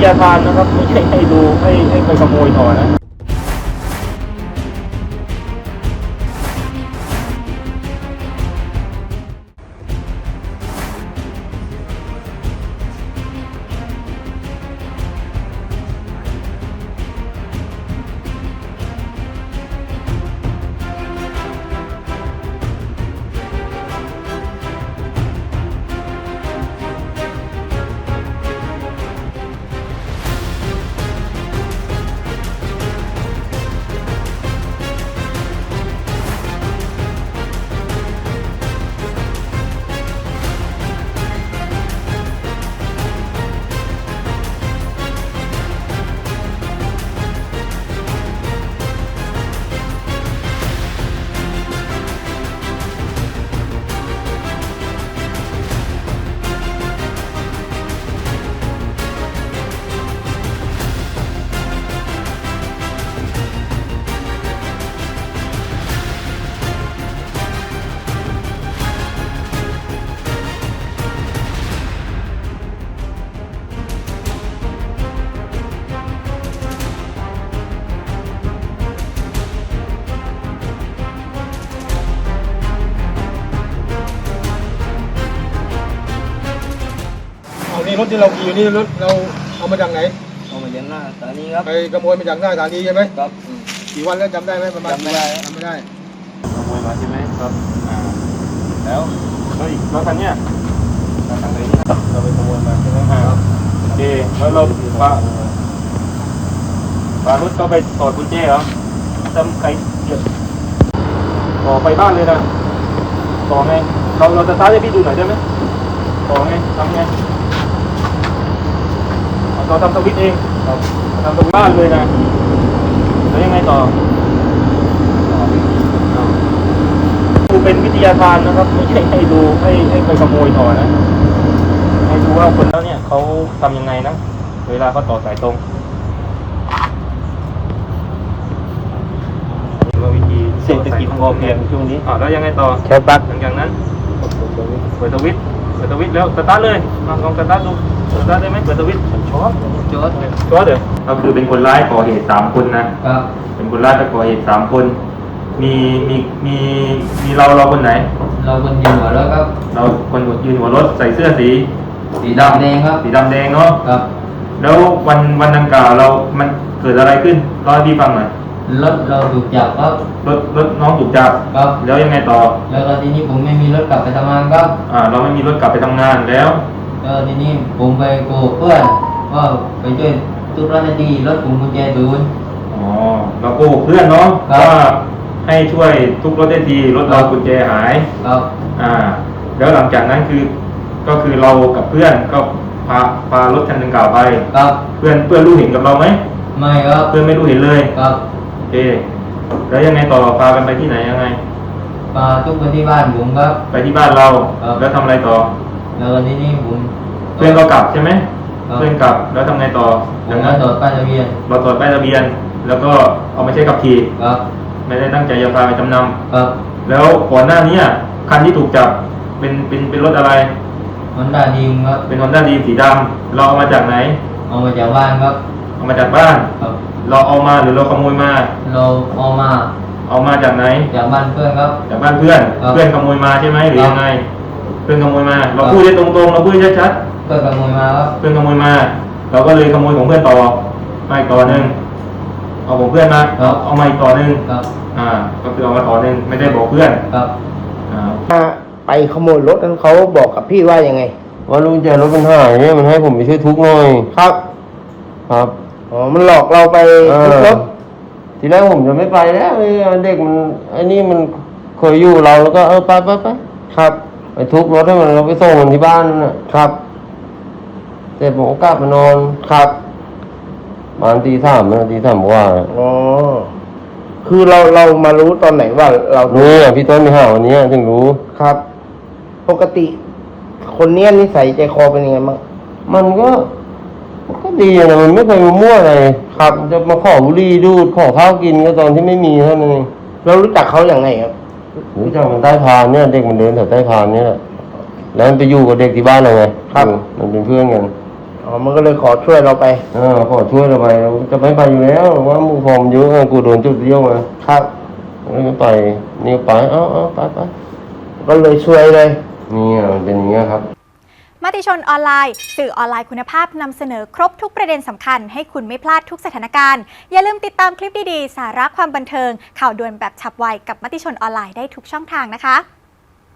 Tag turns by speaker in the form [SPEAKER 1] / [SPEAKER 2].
[SPEAKER 1] ยาทานนะครับไม่ใช่ให้ดูให้ไปขโมยต่อนะ
[SPEAKER 2] นี่รถที่เราขี่อยู่นี่รถเราเอามาจากไหน
[SPEAKER 3] เอามาจากหน้าสถานีครับ
[SPEAKER 2] ไปขโมยมาจากหน้าสถานีใช่ไหม
[SPEAKER 3] ครับ
[SPEAKER 2] กี่วันแล้วจำได้ไหมประมาณ
[SPEAKER 3] จำไม่ได้
[SPEAKER 2] จำไม่ได้
[SPEAKER 1] ขโมยมาใช่ไหมครับแล้วอีกรถคันเนี้ยคันไหนเนี่ยเราไปขโมยมาใช่ไหมครับโอเคแล้วเราพารถก็ไปถอดกุญแจเหรอทำใครเก็บต่อไปบ้านเลยนะต่อไงเราจะสตาร์ทให้พี่ดูหน่อยได้ไหมต่อไงทำไงเราทำสวิตช์เองทำสวิตช์บ้านเลยนะแล้วยังไงต่อดูเป็นวิทยาทานนะครับไม่ใช่ให้ดูให้ไปขโมยต่อนะให้ดูว่าคนแล้วเนี่ยเขาทำยังไงนะเวลาเขาต่อสายตรงว่าวิธีเศรษฐกิจพอเพียงช่วงนี้แล้วยังไงต่อ
[SPEAKER 3] ใช้ปลั๊ก
[SPEAKER 1] หลังจากนั้นเปิดสวิตช์แล้วสตาร์ทเลยลองสตาร์ทดูสตาร์ทได้ไหมเปิดสวิตช์ช็อตเลยก็คือเป็นคนร้ายก่อเหตุ3 คนนะครับเป็นคนร้ายจะก่อเหตุ3 คนมีเราคนไหน
[SPEAKER 3] เราคนยืนหัวรถครับ
[SPEAKER 1] เราคนยืนหัวรถใส่เสื้อสี
[SPEAKER 3] ดำแดงครับ
[SPEAKER 1] สีดำแดงเนาะ
[SPEAKER 3] ครับ
[SPEAKER 1] แล้ววันดังกล่าวมันเกิดอะไรขึ้นเล่าให้พี่ฟังหน่อย
[SPEAKER 3] รถเราถูกจับครับ
[SPEAKER 1] รถน้องถูกจับ
[SPEAKER 3] ครับ
[SPEAKER 1] แล้วยังไงต่อ
[SPEAKER 3] แล้วทีนี้ผมไม่มีรถกลับไปทำงานครับ
[SPEAKER 1] เราไม่มีรถกลับไปทำงานแล้ว
[SPEAKER 3] ทีนี้ผมไปโกหกเพื่อนว่าไปช่วยทุกทีรถผมกุญแจศูนย์
[SPEAKER 1] เราโกหกเพื่อนเนาะว่าให้ช่วยทุกรถได้ทีรถเรากุญแจหาย
[SPEAKER 3] ครับ
[SPEAKER 1] แล้วหลังจากนั้นก็คือเรากับเพื่อนก็พารถคันดังกล่าวไป
[SPEAKER 3] ครับ
[SPEAKER 1] เพื่อนรู้เห็นกับเราไหม
[SPEAKER 3] ไม่ครับ
[SPEAKER 1] เพื่อนไม่รู้เห็นเลย
[SPEAKER 3] ครับ
[SPEAKER 1] โอเคแล้วยังไงต่อพากันไปที่ไหนยังไง
[SPEAKER 3] พาทุกคนที่บ้านผมครับ
[SPEAKER 1] ไปที่บ้านเราแล้วทำอะไรต่อ
[SPEAKER 3] แล้วทีนี้ผม
[SPEAKER 1] เพื่อนก็กลับใช่ไหมเพื่อนกลับแล้วทำไงต่อ
[SPEAKER 3] จากนั้นตรวจป้ายทะเบียน
[SPEAKER 1] เราตรวจป้ายทะเบียนแล้วก็เอามาใช้ขับขี่
[SPEAKER 3] ครับ
[SPEAKER 1] ไม่ได้ตั้งใจจะพาไปจำน
[SPEAKER 3] ำครับ
[SPEAKER 1] แล้วก่อนหน้านี้คันที่ถูกจับเป็นรถอะไร
[SPEAKER 3] Honda Dreamครับ
[SPEAKER 1] เป็น Honda Dream สีดำเราเอามาจากไหน
[SPEAKER 3] เอามาจากบ้านครับ
[SPEAKER 1] เอามาจากบ้าน
[SPEAKER 3] ครับ
[SPEAKER 1] เราเอามาหรือเราขโมยมา
[SPEAKER 3] เราเอามา
[SPEAKER 1] จากไหน
[SPEAKER 3] จากบ้านเพื่อนครับ
[SPEAKER 1] จากบ้านเพื่อนขโมยมาใช่ไหมหรือยังไงเพื่อนขโมยมาเราพูดได้ตรงๆเราพูดชัด
[SPEAKER 3] ๆเพื่อนขโมยมาครับ
[SPEAKER 1] เพื่อนขโมยมาเราก็เลยขโมยของเพื่อนต่อมาอีกต่อหนึ่งเอาของเพื่อนมาเอามาอีกต่อหนึ่งก็คือเอามาต่อหนึ่งไม่ได้บอกเพื่อน
[SPEAKER 3] ครับ
[SPEAKER 2] ไปขโมยรถนั้นเขาบอกกับพี่ว่ายังไง
[SPEAKER 4] ว่าลุงแจรถมันหายเนี่ยมันให้ผมไปช่วยทุกหน่อย
[SPEAKER 2] ครับมันหลอกเราไปทุกรถ
[SPEAKER 4] ทีแรกผมจะไม่ไปแล้วเด็กมันไอ้นี่มันเคยอยู่เราแล้วก็ไป
[SPEAKER 2] ครับ
[SPEAKER 4] ไปทุกรถให้มันเราไปส่งมันที่บ้านนั่นน่ะ
[SPEAKER 2] ครับ
[SPEAKER 4] เสร็จผมก็กลับมานอน
[SPEAKER 2] ครับ
[SPEAKER 4] ประมาณตี 3นะตี 3กว่า
[SPEAKER 2] คือเรามารู้ตอนไหนว่าเรา
[SPEAKER 4] รู้พี่ต้นไปหาวันนี้ถึงรู้
[SPEAKER 2] ครับปกติคนเนี้ยนิสัยใจคอเป็นยังไงบ้าง
[SPEAKER 4] มันก็ดีนะมันไม่เคยมามั่วอะไร
[SPEAKER 2] ครับ
[SPEAKER 4] จะมาขอบุหรี่ดูดขอข้าวกินก็ตอนที่ไม่มีเท่านั้นเอง
[SPEAKER 2] เรารู้จักเขาอย่างไงครับ
[SPEAKER 4] รู้จักมันใต้พานเนี่ยเด็กมันเดินแถวใต้พานเนี่ยแหละแล้วมันไปอยู่กับเด็กที่บ้านเราไง
[SPEAKER 2] ครับ
[SPEAKER 4] มันเป็นเพื่อนกัน
[SPEAKER 2] อ๋อมันก็เลยขอช่วยเราไป
[SPEAKER 4] ขอช่วยเราไปจะไม่ไปอยู่แล้วว่าหมู่ผมเยอะกูโดนจุดเดียวมา
[SPEAKER 2] ครับ
[SPEAKER 4] ไม่ไปนี่ไปไป
[SPEAKER 2] ก็เลยช่วยเลย
[SPEAKER 4] นี่มันเป็นอย่างเงี้ยครับ
[SPEAKER 5] มติชนออนไลน์สื่อออนไลน์คุณภาพนำเสนอครบทุกประเด็นสำคัญให้คุณไม่พลาดทุกสถานการณ์อย่าลืมติดตามคลิปดีๆสาระความบันเทิงข่าวด่วนแบบฉับไวกับมติชนออนไลน์ได้ทุกช่องทางนะคะ